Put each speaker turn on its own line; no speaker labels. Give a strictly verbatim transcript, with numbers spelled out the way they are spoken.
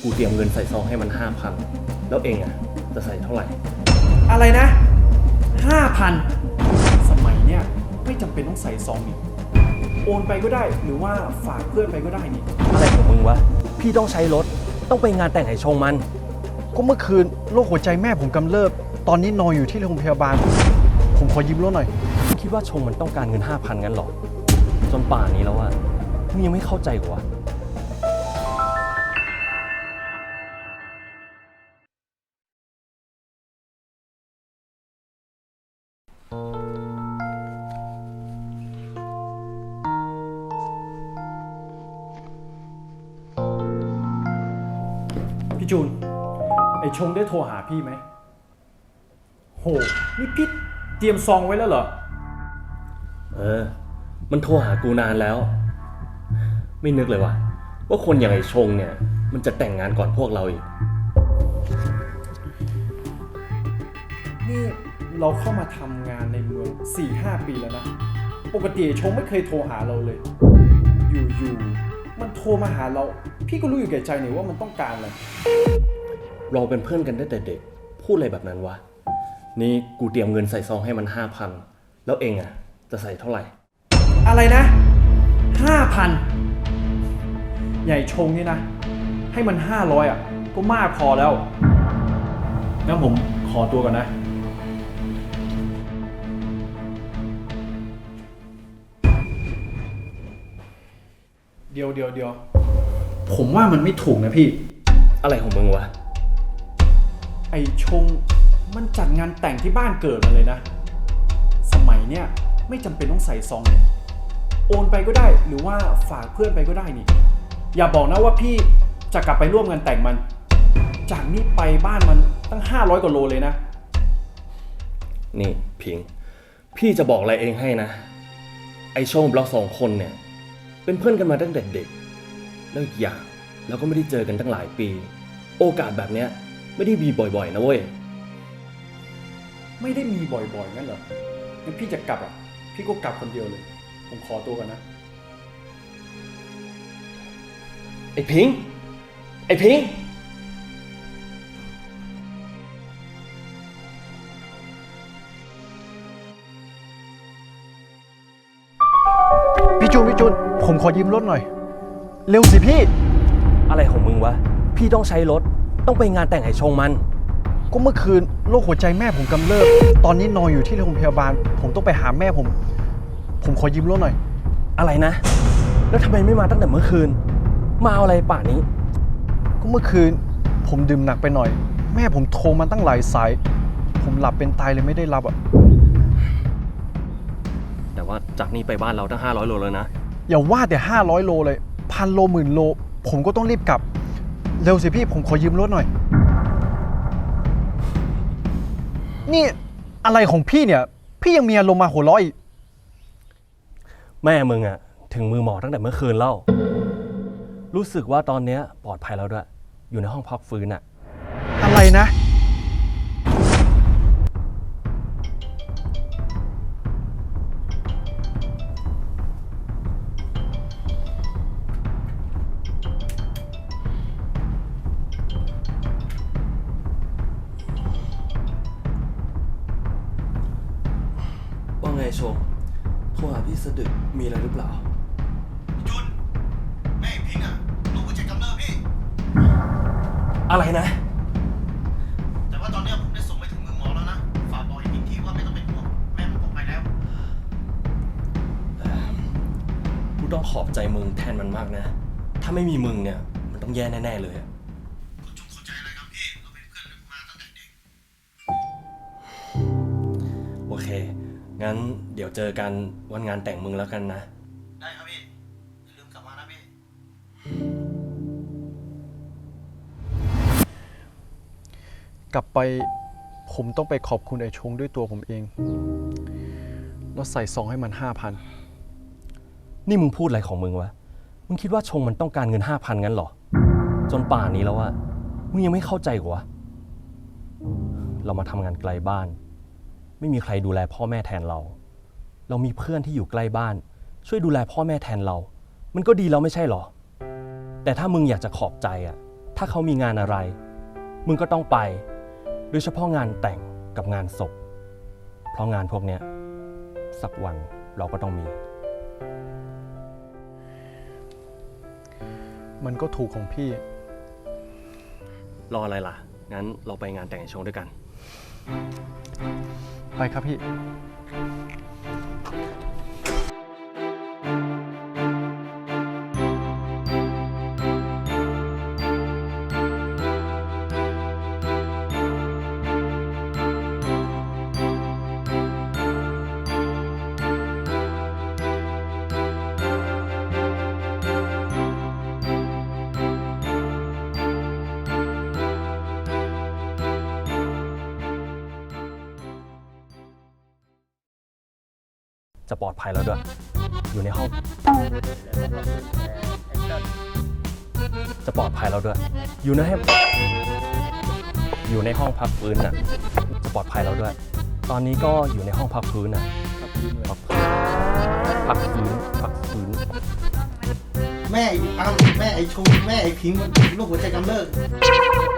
กูเตรียมเงินใส่ซองให้มันห้าพันแล้วเองอ่ะจะใส่เท่าไหร่
อะไรนะห้าพันสมัยเนี้ยไม่จำเป็นต้องใส่ซองนี่โอนไปก็ได้หรือว่าฝากเพื่อนไปก็ได้นี่
อะไรของมึงวะพี่ต้องใช้รถต้องไปงานแต่งไห้ชงมัน
ก็เมื่อคืนโรคหัวใจแม่ผมกำเริบตอนนี้นอนอยู่ที่โรงพยาบาลผมขอยืมรถหน่อย
คิดว่าชงมันต้องการเงินห้าพันงั้นหรอจนป่านนี้แล้วอะมึงยังไม่เข้าใจกว่า
พี่จูนไอชงได้โทรหาพี่ไหมโหนี่พี่เตรียมซองไว้แล้วเหรอ
เออมันโทรหากูนานแล้วไม่นึกเลยว่ะว่าคนอย่างไอชงเนี่ยมันจะแต่งงานก่อนพวกเราอีก
นี่เราเข้ามาทำงานในเมือง สี่ห้า ปีแล้วนะปกติไอชงไม่เคยโทรหาเราเลยอยู่ๆมันโทรมาหาเราพี่ก็รู้อยู่แก่ใจนี่ว่ามันต้องการอะไร
เราเป็นเพื่อนกันตั้งแต่เด็กพูดอะไรแบบนั้นวะนี่กูเตรียมเงินใส่ซองให้มันห้าพันแล้วเองอ่ะจะใส่เท่าไหร่
อะไรนะห้าพันใหญ่ชงนี่นะให้มันห้าร้อยอ่ะก็มากพอแล้วงั้นผมขอตัวก่อนนะเดี๋ยวเดี๋ยวเดี๋ยวผมว่ามันไม่ถูกนะพี่
อะไรของมึงวะ
ไอชงมันจัดงานแต่งที่บ้านเกิดมันเลยนะสมัยเนี้ยไม่จำเป็นต้องใส่ซองเนี่ยโอนไปก็ได้หรือว่าฝากเพื่อนไปก็ได้นี่อย่าบอกนะว่าพี่จะกลับไปร่วมงานแต่งมันจากนี้ไปบ้านมันตั้งห้าร้อยกว่าโลเลยนะ
นี่พิงพี่จะบอกอะไรเองให้นะไอโชงเราสองคนเนี่ยเป็นเพื่อนกันมาตั้งแต่เด็กแล้วอีกอย่างเราก็ไม่ได้เจอกันตั้งหลายปีโอกาสแบบเนี้ยไม่ได้มีบ่อยๆนะเว้ย
ไม่ได้มีบ่อยๆงั้นเหรองั้นพี่จะกลับอ่ะพี่ก็กลับคนเดียวเลยผมขอตัวก่อนนะ
ไอพิงไอพิง
พี่จูนพี่จูนผมขอยืมรถหน่อยเร็วสิพี่
อะไรของมึงวะพี่ต้องใช้รถต้องไปงานแต่งไห้ชงมัน
ก็เมื่อคืนโรคหัวใจแม่ผมกำเริบตอนนี้นอนอยู่ที่โรงพยาบาลผมต้องไปหาแม่ผมผมขอยืมรถหน่อย
อะไรนะแล้วทำไมไม่มาตั้งแต่เมื่อคืนมาเอาอะไรป่านนี้
ก็เมื่อคืนผมดื่มหนักไปหน่อยแม่ผมโทรมาตั้งหลายสายผมหลับเป็นตายเลยไม่ได้รับอ่ะ
แต่ว่าจากนี้ไปบ้านเราตั้งห้าร้อยโลแล้วนะ
อย่าว่าแต่ห้าร้อยโลเลยพันโลหมื่นโลผมก็ต้องรีบกลับเร็วสิพี่ผมขอยืมรถหน่อยนี่อะไรของพี่เนี่ยพี่ยังมีอารมณ์มาหัวเราะอีก
แม่มึงอะถึงมือหมอตั้งแต่เมื่อคืนแล้วรู้สึกว่าตอนนี้ปลอดภัยแล้วด้วยอยู่ในห้องพักฟื้นอะ
อะไรนะ
ว่าไงชมโทรหาพี่สะดึกมีอะไรหรือเปล่า
พี่จุนแม่พิงอ่ะลูกหัวใจกำเริบพี่
อะไรนะ
แต่ว่าตอนนี้ผมได้ส่งไปถึงมือหมอแล้วนะฝากบอกให้พิงทีว่าไม่ต้องเป็นห่วงแม่มันปลอดภัยแล้ว
กูต้องขอบใจมึงแทนมันมากนะถ้าไม่มีมึงเนี่ยมันต้องแย่แน่ๆเลย
ก็จงเข้าใจอะไรครับพี่เราเป็นเพื่อนกันมาตั้งแต่เด็ก
โอเคงั้นเดี๋ยวเจอกันวันงานแต่งมึงแล้วกันนะ
ได้ครับพี่อย่าลืมกลับมานะพี่
กลับไปผมต้องไปขอบคุณไอ้ชงด้วยตัวผมเองแล้วใส่ซองให้มันห้าพัน
นี่มึงพูดอะไรของมึงวะมึงคิดว่าชงมันต้องการเงินห้าพันงั้นหรอจนป่านนี้แล้วอะมึงยังไม่เข้าใจกว่าเรามาทำงานไกลบ้านไม่มีใครดูแลพ่อแม่แทนเราเรามีเพื่อนที่อยู่ใกล้บ้านช่วยดูแลพ่อแม่แทนเรามันก็ดีแล้วไม่ใช่หรอแต่ถ้ามึงอยากจะขอบใจอ่ะถ้าเขามีงานอะไร มึงก็ต้องไป โดยเฉพาะงานแต่งกับงานศพ เพราะงานพวกเนี้ยสักวันเราก็ต้องมี
มันก็ถูกของพี่
รออะไรล่ะ งั้นเราไปงานแต่งไอ้ชงด้วยกัน
ไปครับพี่
จะปลอดภัยแล้วด้วย อยู่ในห้อง จะปลอดภัยแล้วด้วย อยู่ในห้องอยู่ในห้องพักฟื้นน่ะ จะปลอดภัยแล้วด้วย ตอนนี้ก็อยู่ในห้องพักฟื้นน่ะ พักฟื้นพักฟื้นพักฟื้นพักฟื้น
แม่ไอ้อ้ํแม่ไอ้ชงแม่ไอ้พิงค์มันลูกหัวใจกำเริบ